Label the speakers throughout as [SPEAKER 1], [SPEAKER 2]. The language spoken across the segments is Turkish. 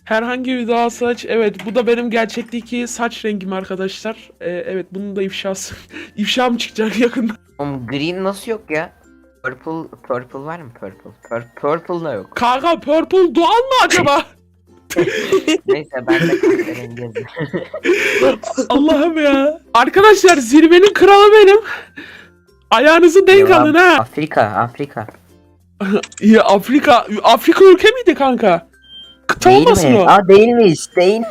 [SPEAKER 1] Herhangi bir daha saç. Evet, bu da benim gerçekteki saç rengim arkadaşlar. Evet, bunun da ifşası. İfşam çıkacak yakında.
[SPEAKER 2] Oğlum green nasıl yok ya? Purple var mı purple? Purple da yok.
[SPEAKER 1] Kanka purple doğal mı acaba?
[SPEAKER 2] Neyse ben de kahverengi yazayım.
[SPEAKER 1] Allah'ım ya. Arkadaşlar zirvenin kralı benim. Ayağınızı denk
[SPEAKER 2] Devam.
[SPEAKER 1] alın ha.
[SPEAKER 2] Afrika.
[SPEAKER 1] Ya Afrika ülke miydi kanka? Kıta
[SPEAKER 2] Değil
[SPEAKER 1] olmasın
[SPEAKER 2] mi?
[SPEAKER 1] o?
[SPEAKER 2] Aa değilmiş.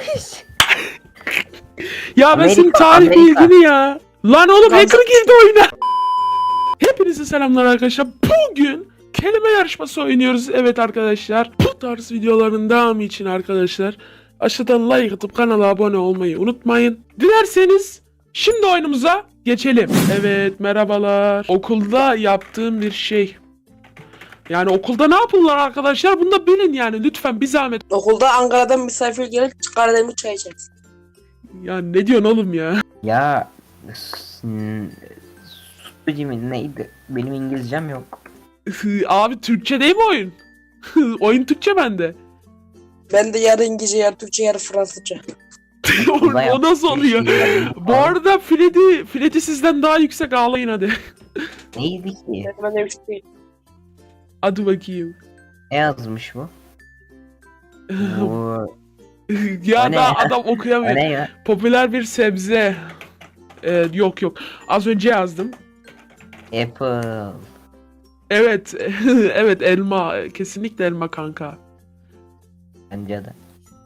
[SPEAKER 1] Ya ben senin
[SPEAKER 2] Amerika,
[SPEAKER 1] tarih
[SPEAKER 2] Amerika.
[SPEAKER 1] bilgini ya. Lan oğlum
[SPEAKER 3] Lan
[SPEAKER 1] hacker girdi oyuna. Hepinize selamlar arkadaşlar. Bugün kelime yarışması oynuyoruz. Evet arkadaşlar. Bu tarz videoların devamı için arkadaşlar aşağıdan like atıp kanala abone olmayı unutmayın. Dilerseniz şimdi oyunumuza geçelim. Evet merhabalar. Okulda yaptığım bir şey. Yani okulda ne yapılır arkadaşlar? Bunu da bilin yani lütfen bir zahmet.
[SPEAKER 3] Okulda Ankara'dan misafir gelip Karademir çay içeriz.
[SPEAKER 1] Ya ne diyorsun oğlum ya?
[SPEAKER 2] Ya Sucuğum neydi? Benim İngilizcem yok.
[SPEAKER 1] Abi Türkçe değil mi oyun? Oyun Türkçe bende.
[SPEAKER 3] Ben de yarı İngilizce, yarı Türkçe, yarı Fransızca.
[SPEAKER 1] O nasıl oluyor? Bu arada Freddy sizden daha yüksek, ağlayın hadi.
[SPEAKER 2] Neydi ki?
[SPEAKER 3] Ben de bir şey değil.
[SPEAKER 1] Hadi bakayım.
[SPEAKER 2] Ne yazmış bu? Bu
[SPEAKER 1] Ya
[SPEAKER 2] O ne
[SPEAKER 1] da
[SPEAKER 2] ya?
[SPEAKER 1] adam
[SPEAKER 2] o
[SPEAKER 1] okuyamıyor.
[SPEAKER 2] ne ya?
[SPEAKER 1] Popüler bir sebze. Yok. Az önce yazdım.
[SPEAKER 2] Apple.
[SPEAKER 1] Evet. Evet elma. Kesinlikle elma kanka.
[SPEAKER 2] Bence de.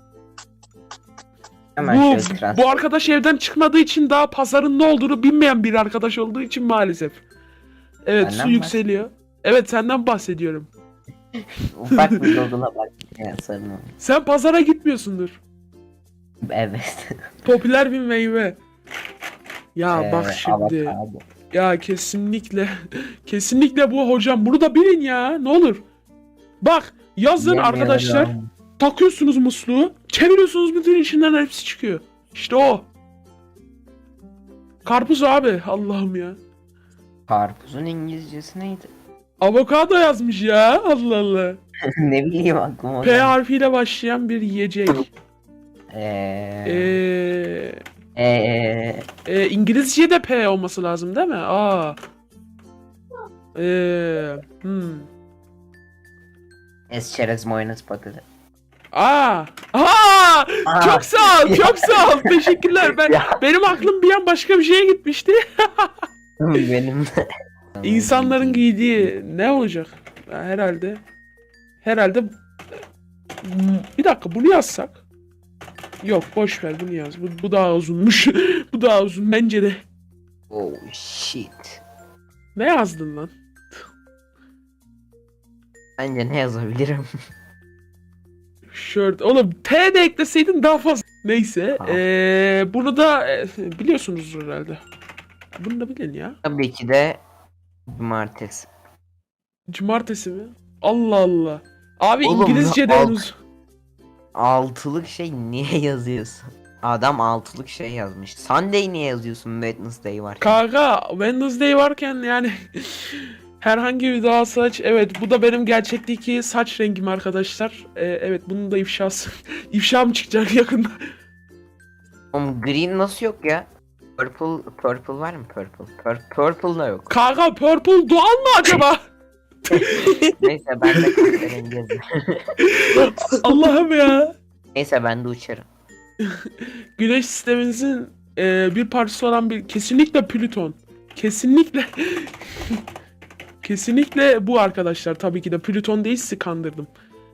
[SPEAKER 2] Hemen şöyle transfer.
[SPEAKER 1] Bu arkadaş evden çıkmadığı için daha pazarın ne olduğunu bilmeyen bir arkadaş olduğu için maalesef. Evet
[SPEAKER 2] Benden
[SPEAKER 1] su yükseliyor. Evet senden bahsediyorum.
[SPEAKER 2] Ufak bir Google'a bak. Ya, sorun olmaz.
[SPEAKER 1] Sen pazara gitmiyorsundur.
[SPEAKER 2] Evet.
[SPEAKER 1] Popüler bir meyve. Ya bak şimdi.
[SPEAKER 2] Avokado.
[SPEAKER 1] Ya kesinlikle bu hocam. Bunu da bilin ya. Ne olur. Bak yazın
[SPEAKER 2] Yemiyorum.
[SPEAKER 1] arkadaşlar. Takıyorsunuz musluğu. Çeviriyorsunuz bütün içinden hepsi çıkıyor. İşte o. Karpuz abi. Allah'ım ya.
[SPEAKER 2] Karpuzun İngilizcesi neydi?
[SPEAKER 1] Avokado yazmış ya. Allah Allah.
[SPEAKER 2] Ne bileyim aklıma.
[SPEAKER 1] P harfiyle başlayan bir yiyecek.
[SPEAKER 2] Eee.
[SPEAKER 1] İngilizce'de P olması lazım değil mi? Hmm.
[SPEAKER 2] Esçerez mayonez patates.
[SPEAKER 1] Aa! Çok sağ ol, çok sağ ol. Teşekkürler. Benim aklım bir an başka bir şeye gitmişti.
[SPEAKER 2] Benim de.
[SPEAKER 1] İnsanların giydiği ne olacak? Ya herhalde bir dakika bunu yazsak. Yok boş ver bunu yaz. Bu daha uzunmuş. Bu daha uzun bence de.
[SPEAKER 2] Oh shit.
[SPEAKER 1] Ne yazdın lan?
[SPEAKER 2] Bence ne yazabilirim?
[SPEAKER 1] Shirt. Oğlum T de ekleseydin daha fazla. Neyse.
[SPEAKER 2] Tamam.
[SPEAKER 1] Bunu da biliyorsunuz herhalde. Bunu da bilin ya.
[SPEAKER 2] Tabii ki de cumartesi.
[SPEAKER 1] Cumartesi mi? Allah Allah. Abi
[SPEAKER 2] Oğlum,
[SPEAKER 1] İngilizce'de
[SPEAKER 2] alt-
[SPEAKER 1] henüz.
[SPEAKER 2] Altılık şey niye yazıyorsun? Adam altılık şey yazmış. Sunday niye yazıyorsun Wednesday var?
[SPEAKER 1] Kanka Wednesday varken yani herhangi bir daha saç. Evet bu da benim gerçekteki saç rengim arkadaşlar. Evet bunun da ifşası. İfşam çıkacak yakında.
[SPEAKER 2] Oğlum green nasıl yok ya? Purple var mı purple? Purple da yok.
[SPEAKER 1] Kanka purple doğal mı acaba?
[SPEAKER 2] Neyse ben de kahverengi yazayım.
[SPEAKER 1] Allah'ım ya.
[SPEAKER 2] Neyse ben de uçarım.
[SPEAKER 1] Güneş sistemimizin bir parçası olan bir kesinlikle Plüton. Kesinlikle kesinlikle bu arkadaşlar, tabii ki de Plüton değil, sizi kandırdım.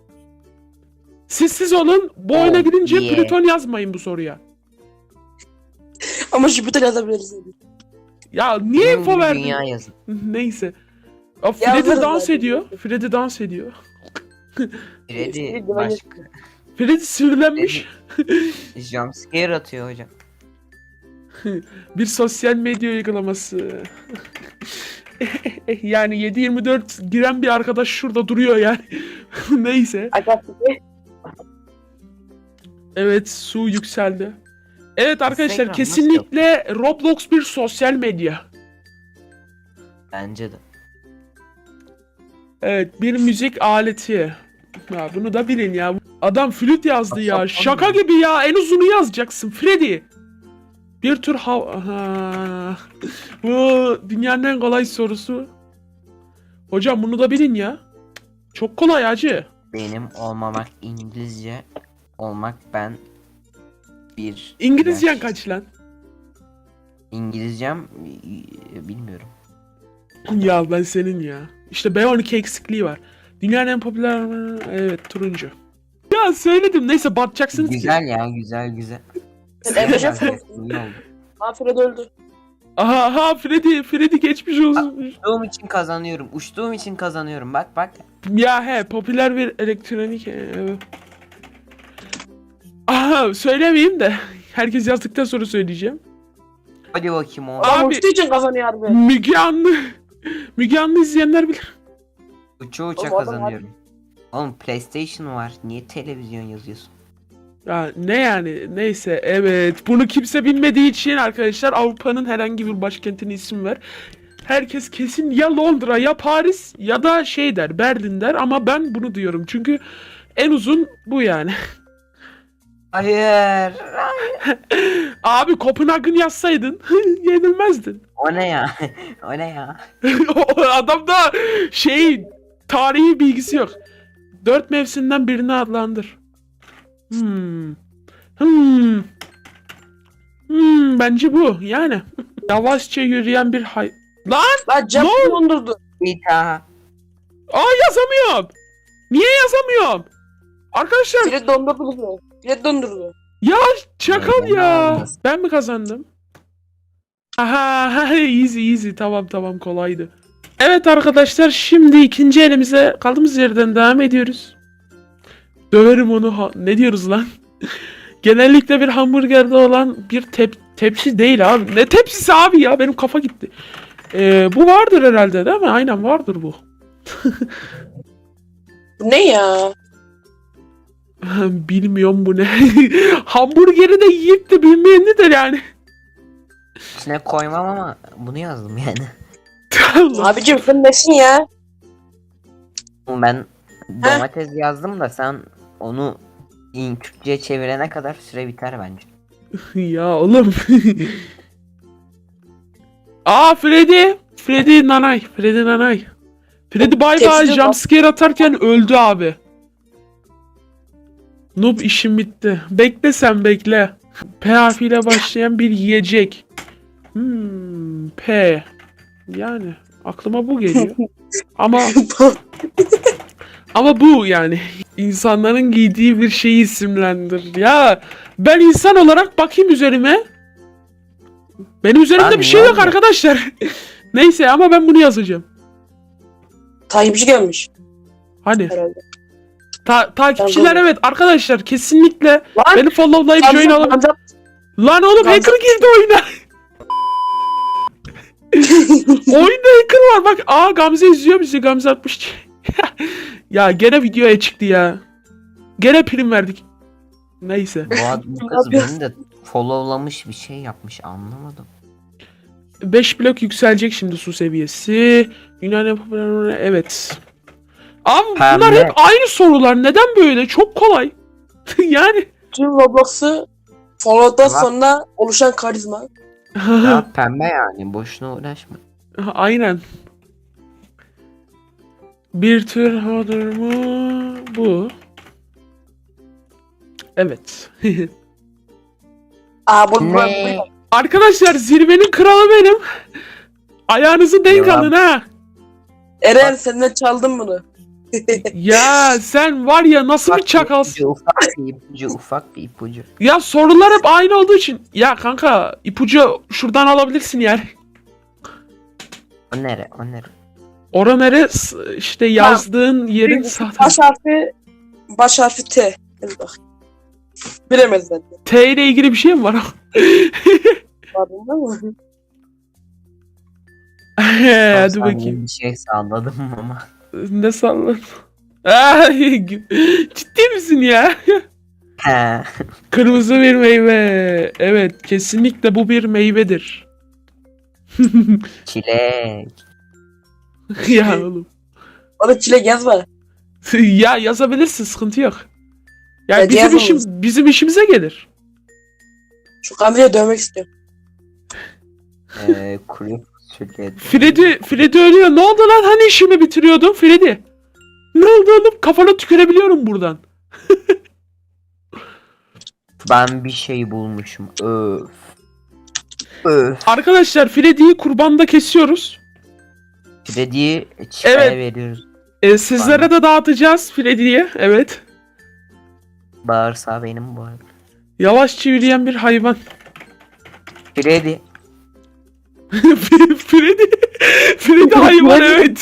[SPEAKER 1] Siz olun, bu oyuna
[SPEAKER 2] Oh,
[SPEAKER 1] gidince
[SPEAKER 2] yeah.
[SPEAKER 1] Plüton yazmayın bu soruya.
[SPEAKER 3] Ama Jüpiter yazabiliriz.
[SPEAKER 1] Ya niye info
[SPEAKER 2] Benim
[SPEAKER 1] verdin?
[SPEAKER 2] Dünya yazın.
[SPEAKER 1] Neyse. Ya Freddy
[SPEAKER 3] Yazarız
[SPEAKER 1] dans
[SPEAKER 3] zaten.
[SPEAKER 1] ediyor. Freddy dans ediyor.
[SPEAKER 2] Freddy başka.
[SPEAKER 1] Freddy sinirlenmiş.
[SPEAKER 2] Jumpscare atıyor hocam.
[SPEAKER 1] Bir sosyal medya uygulaması. Yani 7/24 giren bir arkadaş şurada duruyor yani. Neyse. Evet su yükseldi. Evet arkadaşlar
[SPEAKER 2] Instagram
[SPEAKER 1] kesinlikle Roblox bir sosyal medya.
[SPEAKER 2] Bence de.
[SPEAKER 1] Evet bir müzik aleti. Ya bunu da bilin ya. Adam flüt yazdı ya.
[SPEAKER 2] Asap
[SPEAKER 1] Şaka
[SPEAKER 2] olmuyor.
[SPEAKER 1] gibi ya. En uzunu yazacaksın Freddy. Bir tür Aha. Bu dünyanın en kolay sorusu. Hocam bunu da bilin ya. Çok kolay hacı.
[SPEAKER 2] Benim olmamak İngilizce olmak ben bir
[SPEAKER 1] İngilizcen
[SPEAKER 2] yaş-
[SPEAKER 1] kaç lan?
[SPEAKER 2] İngilizcem bilmiyorum.
[SPEAKER 1] Ya ben senin ya. İşte B12 eksikliği var. Dünyanın en popüler... Evet turuncu. Ya söyledim neyse batacaksınız ki.
[SPEAKER 2] Güzel ya, güzel.
[SPEAKER 3] Sen Emrecan
[SPEAKER 2] Güzel,
[SPEAKER 3] Fırat.
[SPEAKER 2] iyi oldu.
[SPEAKER 3] Fred öldü.
[SPEAKER 1] Aha Freddy geçmiş olsun.
[SPEAKER 2] Uçtuğum için kazanıyorum. Bak.
[SPEAKER 1] Ya he popüler bir elektronik evet. Aha söylemeyeyim de herkes yazdıktan sonra söyleyeceğim.
[SPEAKER 2] Hadi bakayım o.
[SPEAKER 1] Abi-
[SPEAKER 3] Abi uçtuğu için kazanıyor harbi.
[SPEAKER 1] Müge Anlı izleyenler bilir.
[SPEAKER 2] Uça
[SPEAKER 3] Oğlum, adam
[SPEAKER 2] kazanıyorum. Oğlum PlayStation var. Niye televizyon yazıyorsun?
[SPEAKER 1] Ya ne yani neyse evet bunu kimse bilmediği için arkadaşlar Avrupa'nın herhangi bir başkentine isim ver. Herkes kesin ya Londra ya Paris ya da şey der Berlin der ama ben bunu diyorum çünkü en uzun bu yani.
[SPEAKER 2] Hayır.
[SPEAKER 1] Abi Kopenhag'ın yazsaydın yenilmezdin.
[SPEAKER 2] O ne ya? O ne ya?
[SPEAKER 1] O adamda şey tarihi bilgisi yok. 4 mevsimden birini adlandır. Bence bu yani. Yavaşça yürüyen bir Lan!
[SPEAKER 3] Lan cam
[SPEAKER 1] Ne oldu?
[SPEAKER 3] dondurdu.
[SPEAKER 2] Bir daha.
[SPEAKER 1] Yazamıyorum. Niye yazamıyorum? Arkadaşlar
[SPEAKER 3] Fred dondurdu bizi. Fred dondurdu.
[SPEAKER 1] ya çakal
[SPEAKER 2] Ben
[SPEAKER 1] ya.
[SPEAKER 2] aldım.
[SPEAKER 1] Ben mi kazandım? Aha easy tamam kolaydı. Evet arkadaşlar şimdi ikinci elimize kaldığımız yerden devam ediyoruz. Döverim onu ne diyoruz lan? Genellikle bir hamburgerde olan bir tepsi değil abi. Ne tepsisi abi ya benim kafa gitti. Bu vardır herhalde değil mi? Aynen vardır bu.
[SPEAKER 3] Bu ne ya?
[SPEAKER 1] Bilmiyorum bu ne. Hamburgeri de yiyip de bilmeyeni de yani.
[SPEAKER 2] İçine koymam ama bunu yazdım yani.
[SPEAKER 3] Abicim sen nesin ya?
[SPEAKER 2] Ben domates yazdım da sen onu Türkçe'ye çevirene kadar süre biter bence.
[SPEAKER 1] Ya oğlum. Freddy Nanay. Freddy bay bay
[SPEAKER 3] Tepside
[SPEAKER 1] jumpscare atarken öldü abi. Noob işim bitti. Bekle sen bekle. P harfiyle başlayan bir yiyecek. P. Yani aklıma bu geliyor. Ama bu yani insanların giydiği bir şeyi isimlendir. Ya ben insan olarak bakayım üzerime. Benim üzerimde
[SPEAKER 2] Abi,
[SPEAKER 1] bir şey yok
[SPEAKER 2] ne oldu?
[SPEAKER 1] arkadaşlar. Neyse ama ben bunu yazacağım.
[SPEAKER 3] Takipçi gelmiş
[SPEAKER 1] Hani
[SPEAKER 3] herhalde.
[SPEAKER 1] takipçiler
[SPEAKER 3] Ben
[SPEAKER 1] evet arkadaşlar kesinlikle
[SPEAKER 3] Lan!
[SPEAKER 1] beni followlayıp join alın. Lan oğlum
[SPEAKER 3] Gamze-
[SPEAKER 1] hacker girdi oyuna. Oyunda hacker var bak. Gamze izliyor bizi. Gamze atmış. Ya gene videoya çıktı ya. Gene prim verdik. Neyse.
[SPEAKER 2] Bu kız beni de followlamış bir şey yapmış anlamadım.
[SPEAKER 1] 5 blok yükselecek şimdi su seviyesi. Yunan yapımları evet. Abi bunlar
[SPEAKER 2] Pembe.
[SPEAKER 1] hep aynı sorular. Neden böyle? Çok kolay. Yani.
[SPEAKER 3] Tüm Roblox'u Fallout'tan
[SPEAKER 2] Ulan.
[SPEAKER 3] sonra oluşan karizma.
[SPEAKER 2] Ya pembe yani boşuna uğraşma.
[SPEAKER 1] Aynen. Bir tür hodor mu? Bu. Evet.
[SPEAKER 3] Bu
[SPEAKER 2] Ne?
[SPEAKER 1] Arkadaşlar zirvenin kralı benim. Ayağınızı denk
[SPEAKER 2] Devam.
[SPEAKER 1] alın ha.
[SPEAKER 3] Eren senden çaldım bunu.
[SPEAKER 1] Ya sen var ya nasıl bir çakalsın.
[SPEAKER 2] Ufak bir ipucu.
[SPEAKER 1] Ya sorular hep aynı olduğu için. Ya kanka ipucu şuradan alabilirsin yani.
[SPEAKER 2] O nere?
[SPEAKER 1] Ora nere? İşte yazdığın yerin sağ tarafı.
[SPEAKER 3] Baş harfi T. Hadi bak. Bilemez bence.
[SPEAKER 1] T ile ilgili bir şey mi var?
[SPEAKER 3] Farkında mı?
[SPEAKER 1] Hadi
[SPEAKER 2] Sen
[SPEAKER 1] bakayım.
[SPEAKER 2] Bir şey salladım ama.
[SPEAKER 1] Ne salladın? Ciddi misin ya?
[SPEAKER 2] He.
[SPEAKER 1] Kırmızı bir meyve. Evet, kesinlikle bu bir meyvedir.
[SPEAKER 2] Çilek.
[SPEAKER 1] Ya oğlum.
[SPEAKER 3] Orada çilek yazma.
[SPEAKER 1] Ya yazabilirsin, sıkıntı yok. Yani
[SPEAKER 3] Hadi yazın.
[SPEAKER 1] bizim işimize gelir.
[SPEAKER 3] Şu Gamze'yi dövmek istiyorum.
[SPEAKER 2] Kuru fasulye.
[SPEAKER 1] Freddy ölüyor. Ne oldu lan? Hani işimi bitiriyordun Freddy? Ne oldu oğlum? Kafana tükürebiliyorum buradan.
[SPEAKER 2] Ben bir şey bulmuşum. Öf. Öf.
[SPEAKER 1] Arkadaşlar Freddy'yi kurbanda kesiyoruz.
[SPEAKER 2] Freddy'yi çaya
[SPEAKER 1] Evet.
[SPEAKER 2] veriyoruz.
[SPEAKER 1] Sizlere de dağıtacağız Freddy'ye. Evet.
[SPEAKER 2] Bağırsa benim bu arada.
[SPEAKER 1] Yavaş çivileyen bir hayvan.
[SPEAKER 2] Freddy.
[SPEAKER 1] Freddy hayvan evet.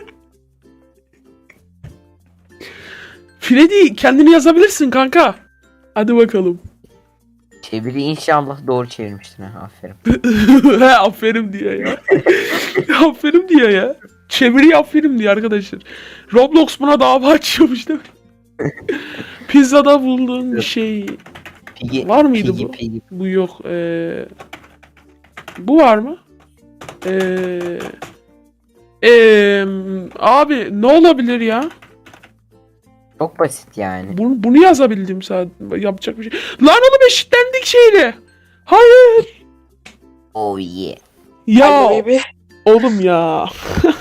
[SPEAKER 1] Freddy kendini yazabilirsin kanka. Hadi bakalım.
[SPEAKER 2] Çeviri inşallah doğru çevirmiştin ha. Aferin.
[SPEAKER 1] He aferin diyor ya. Aferin diyor ya. Çeviri aferin diyor arkadaşlar. Roblox buna dava açıyormuş değil mi? Pizzada bulduğun bir şey.
[SPEAKER 2] Piggy,
[SPEAKER 1] Var mıydı
[SPEAKER 2] Piggy,
[SPEAKER 1] bu?
[SPEAKER 2] Piggy.
[SPEAKER 1] Bu yok. Bu var mı? Abi ne olabilir ya?
[SPEAKER 2] Çok basit yani.
[SPEAKER 1] Bunu yazabildim sadece. Yapacak bir şey. Lan oğlum eşitlendik şeyle. Hayır.
[SPEAKER 2] Oh yeah.
[SPEAKER 1] Ya
[SPEAKER 3] Ay, baby.
[SPEAKER 1] oğlum ya.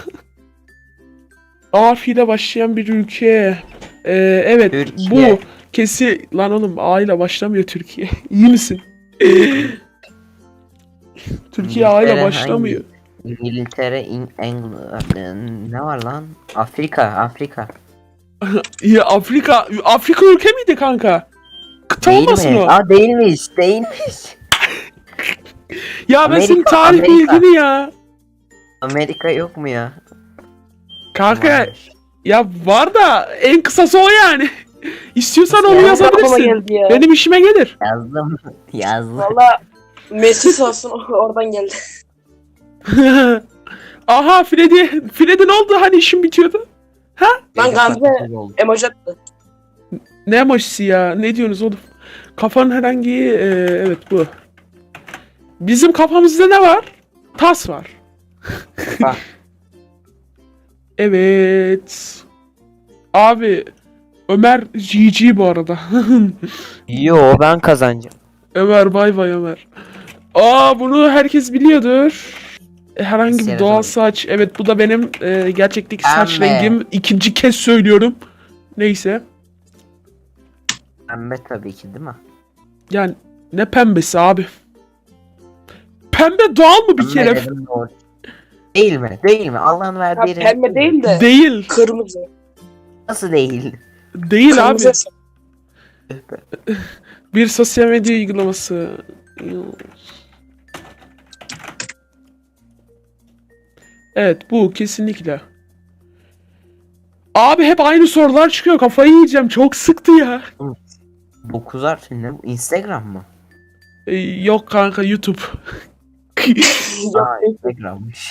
[SPEAKER 1] A ile başlayan bir ülke. Evet
[SPEAKER 2] Türkiye.
[SPEAKER 1] bu. Lan oğlum A ile başlamıyor Türkiye. İyi misin? Türkiye A ile
[SPEAKER 2] İngiltere
[SPEAKER 1] başlamıyor.
[SPEAKER 2] İngiltere, ne var lan? Afrika.
[SPEAKER 1] Ya Afrika ülke miydi kanka? Kıta
[SPEAKER 2] Değil
[SPEAKER 1] olmasın
[SPEAKER 2] mi?
[SPEAKER 1] o?
[SPEAKER 2] Aa değilmiş.
[SPEAKER 1] Ya ben senin
[SPEAKER 2] Amerika,
[SPEAKER 1] tarih
[SPEAKER 2] Amerika.
[SPEAKER 1] bilgini ya.
[SPEAKER 2] Amerika yok mu ya?
[SPEAKER 1] Kanka
[SPEAKER 2] Varmış.
[SPEAKER 1] ya var da en kısası o yani. İstiyorsan onu
[SPEAKER 2] Ya,
[SPEAKER 3] Aklıma
[SPEAKER 1] yazabilirsin.
[SPEAKER 3] geldi ya.
[SPEAKER 1] Benim işime gelir.
[SPEAKER 2] Yazdım.
[SPEAKER 3] Valla Messi sağ olsun oradan geldi.
[SPEAKER 1] Aha Freddy ne oldu hani işim bitiyordu?
[SPEAKER 3] Lan Gamze emoji attı.
[SPEAKER 1] Ne emojisi ya? Ne diyorsunuz oğlum? Kafanın herhangi evet bu. Bizim kafamızda ne var? Tas var.
[SPEAKER 2] Bak.
[SPEAKER 1] Evet. Abi Ömer GG bu arada.
[SPEAKER 2] Yo ben kazanacağım.
[SPEAKER 1] Ömer bay bay Ömer. Bunu herkes biliyordur. Herhangi bir
[SPEAKER 2] Siyah
[SPEAKER 1] doğal
[SPEAKER 2] doğru.
[SPEAKER 1] saç. Evet bu da benim gerçekteki saç
[SPEAKER 2] Pembe.
[SPEAKER 1] rengim. İkinci kez söylüyorum. Neyse.
[SPEAKER 2] Pembe tabii ki değil mi?
[SPEAKER 1] Yani ne pembesi abi? Pembe doğal mı bir
[SPEAKER 2] Pembe
[SPEAKER 1] kere?
[SPEAKER 2] dedim doğru. Değil mi? Değil mi? Allah'ın
[SPEAKER 3] Ya
[SPEAKER 2] verdiği renk
[SPEAKER 3] pembe değil de
[SPEAKER 1] Değil.
[SPEAKER 3] kırmızı.
[SPEAKER 2] Nasıl değil?
[SPEAKER 1] Değil abi.
[SPEAKER 3] Kırmızı.
[SPEAKER 1] Bir sosyal medya uygulaması. Evet bu kesinlikle. Abi hep aynı sorular çıkıyor. Kafayı yiyeceğim. Çok sıktı ya.
[SPEAKER 2] 9 harf ne bu? Instagram mı?
[SPEAKER 1] Yok kanka YouTube.
[SPEAKER 2] Aa Instagram'mış.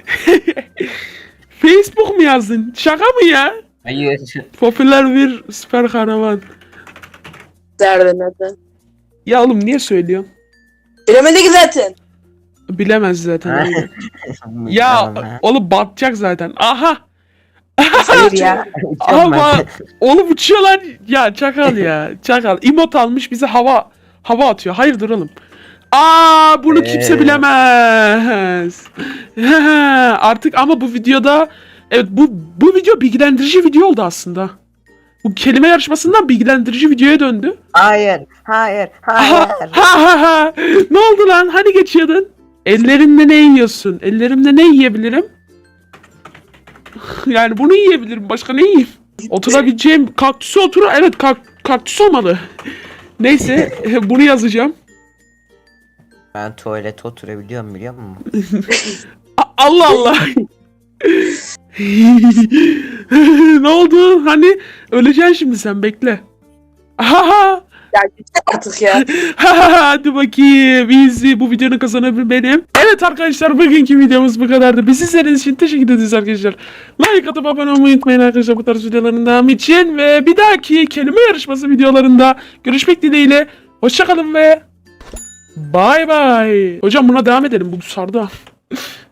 [SPEAKER 1] Facebook mu yazdın? Şaka mı ya?
[SPEAKER 2] Hayır.
[SPEAKER 1] Popüler bir süper kahraman.
[SPEAKER 3] Derdi neden?
[SPEAKER 1] Ya oğlum niye söylüyorsun?
[SPEAKER 3] Bilemedik zaten.
[SPEAKER 1] Bilemez zaten. aynen. Ya oğlum batacak zaten. Aha.
[SPEAKER 2] Hayır ya.
[SPEAKER 1] Ama oğlum uçuyorlar. Ya çakal ya. Çakal. Emot almış bize hava atıyor. Hayırdır oğlum? Bunu kimse bilemez. Artık ama bu videoda evet bu video bilgilendirici video oldu aslında. Bu kelime yarışmasından bilgilendirici videoya döndü.
[SPEAKER 2] Hayır.
[SPEAKER 1] Ha. Ne oldu lan? Hani geçiyordun? Ellerimle ne yiyorsun? Ellerimle ne yiyebilirim? Yani bunu yiyebilirim. Başka ne yiyeyim? Oturabileceğim kaktüsü Evet kaktüs olmalı. Neyse bunu yazacağım.
[SPEAKER 2] Ben tuvalete oturabiliyorum biliyor musun?
[SPEAKER 1] Allah Allah. Ne oldu? Hani öleceksin şimdi sen bekle. Ha.
[SPEAKER 3] Ya git artık ya.
[SPEAKER 1] Hadi bakayım. Easy. Bu videonun kazananı benim. Evet arkadaşlar bugünkü videomuz bu kadardı. Bizi izlediğiniz için teşekkür ederiz arkadaşlar. Like atıp abone olmayı unutmayın arkadaşlar bu tarz videoların devamı için. Ve bir dahaki kelime yarışması videolarında görüşmek dileğiyle. Hoşçakalın ve bay bay. Hocam buna devam edelim. Bu sardı.